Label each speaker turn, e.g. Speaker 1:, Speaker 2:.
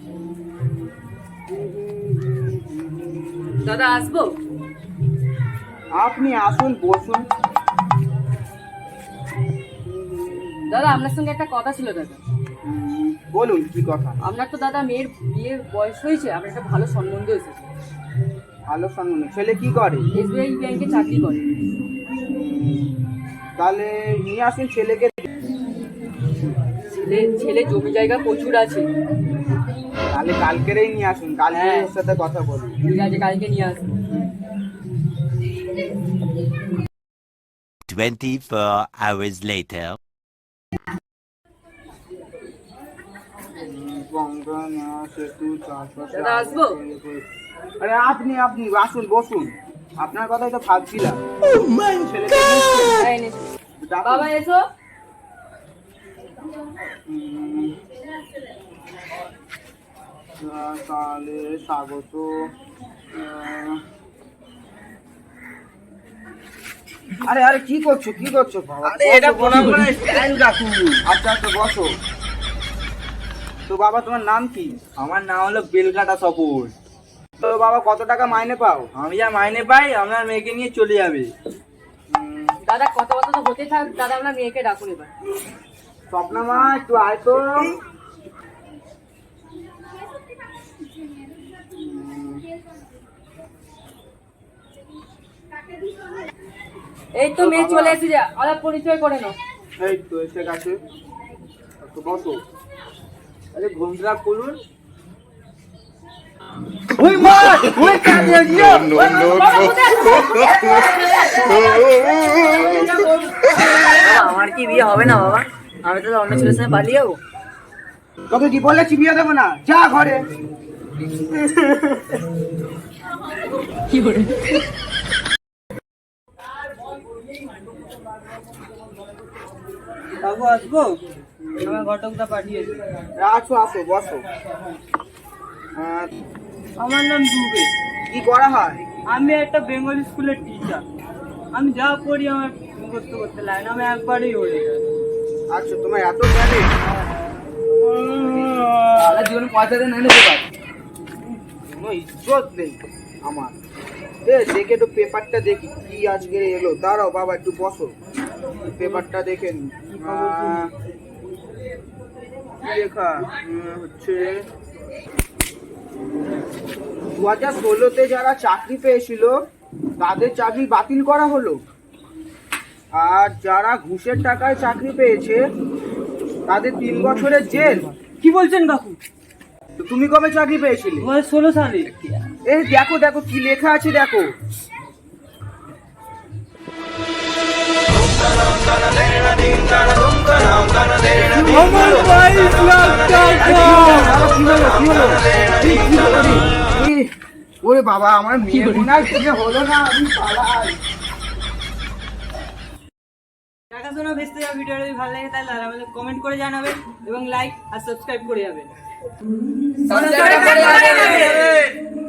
Speaker 1: দাদা আসবো?
Speaker 2: আপনি আসুন, বসুন।
Speaker 1: দাদা আপনার সঙ্গে একটা কথা ছিল দাদা।
Speaker 2: বলুন কি কথা?
Speaker 1: আপনার তো দাদা মেয়ের বিয়ের বয়স হয়েছে, আপনার একটা ভালো সম্বন্ধ এসেছে।
Speaker 2: ভালো সম্বন্ধ? ছেলে কি করে?
Speaker 1: এসবিআই ব্যাংকে চাকরি করে।
Speaker 2: তাহলে নিয়ে আসুন ছেলেকে।
Speaker 1: ছেলে জমি জায়গা প্রচুর আছে।
Speaker 2: তাহলে কালকেরই নিয়ে আসুন, কালকে ওর সাথে কথা বলুন।
Speaker 1: ঠিক আছে, কালকে নিয়ে আসুন।
Speaker 3: 24 hours later.
Speaker 1: দাদা আসবো?
Speaker 2: আরে আপনি আসুন, বসুন। আপনার কথাই তো ভাবছিলাম।
Speaker 1: বাবা এসো।
Speaker 2: তাহলে স্বাগত। আরে আরে কি করছো বাবা?
Speaker 4: এটা প্রণাম করার স্টাইল কাকু।
Speaker 2: আচ্ছা আচ্ছা, বসো। তো বাবা তোমার নাম কি?
Speaker 4: আমার নাম হলো বেলকাটা সপুর।
Speaker 2: তো বাবা কত টাকা মাইনে পাও?
Speaker 4: আমি যা মাইনে পাই আপনার মেয়েকে নিয়ে চলে যাবে।
Speaker 1: দাদা কত কথা তো হতে থাক, দাদা আপনার মেয়েকে ডাকুন এবার।
Speaker 2: স্বপ্না মা একটু আয় তো।
Speaker 1: এই তো মেয়ে চলে এসেছে, আলাপ পরিচয় করে নাও।
Speaker 2: এই তো এসে গেছে, তো বসো। আরে ঘুমটা খুলুন। ওই মা, ওই কাজে দিও।
Speaker 1: আমার কি বিয়ে হবে না বাবা? আমি তো অন্য ছেলের সাথে পালিয়ে যাবো।
Speaker 2: তোকে কি বলেছি বিয়ে দেবো না? যা ঘরে।
Speaker 1: কি করে?
Speaker 4: কাকু আসবো? আমার ঘটকটা পাঠিয়েছে।
Speaker 2: আসো আসো, বসো।
Speaker 4: আমার নাম দুবে।
Speaker 2: কি করা হয়?
Speaker 4: আমি একটা বেঙ্গলি স্কুলের টিচার। আমি যা পড়ি আমার করতে করতে লাগে না, আমি একবারেই হয়ে যাই।
Speaker 2: আচ্ছা, তোমার এত জ্ঞানে?
Speaker 4: জীবনে পয়সাতে না নিতে পারি।
Speaker 2: কোনো ইজ্জত নেই আমার। দেখে তো পেপারটা দেখি কি আজকে এলো। দাঁড়াও বাবা, একটু বসো, পেপারটা দেখে নি। কি লেখা হচ্ছে, 2016-তে যারা চাকরি পেয়েছিল তাদের চাকরি বাতিল করা হলো, আর যারা ঘুষের টাকায় চাকরি পেয়েছে তাদের 3 বছরের জেল।
Speaker 4: কি বলছেন কাকু?
Speaker 2: তো তুমি কবে চাকরি পেয়েছিলে?
Speaker 4: 2016 সালে।
Speaker 2: এই দেখো দেখো কি লেখা আছে, দেখো।
Speaker 4: আমার 22 লাখ টাকা।
Speaker 2: ওরে বাবা, আমার মেয়ে মনে হয় বিয়ে হলো না, আমি পালাই।
Speaker 4: দেখাশোনা ভেস্তে যাওয়া ভিডিওটা যদি ভালো লাগে তাহলে আমাদের কমেন্ট করে জানাবেন এবং লাইক আর সাবস্ক্রাইব করে যাবেন।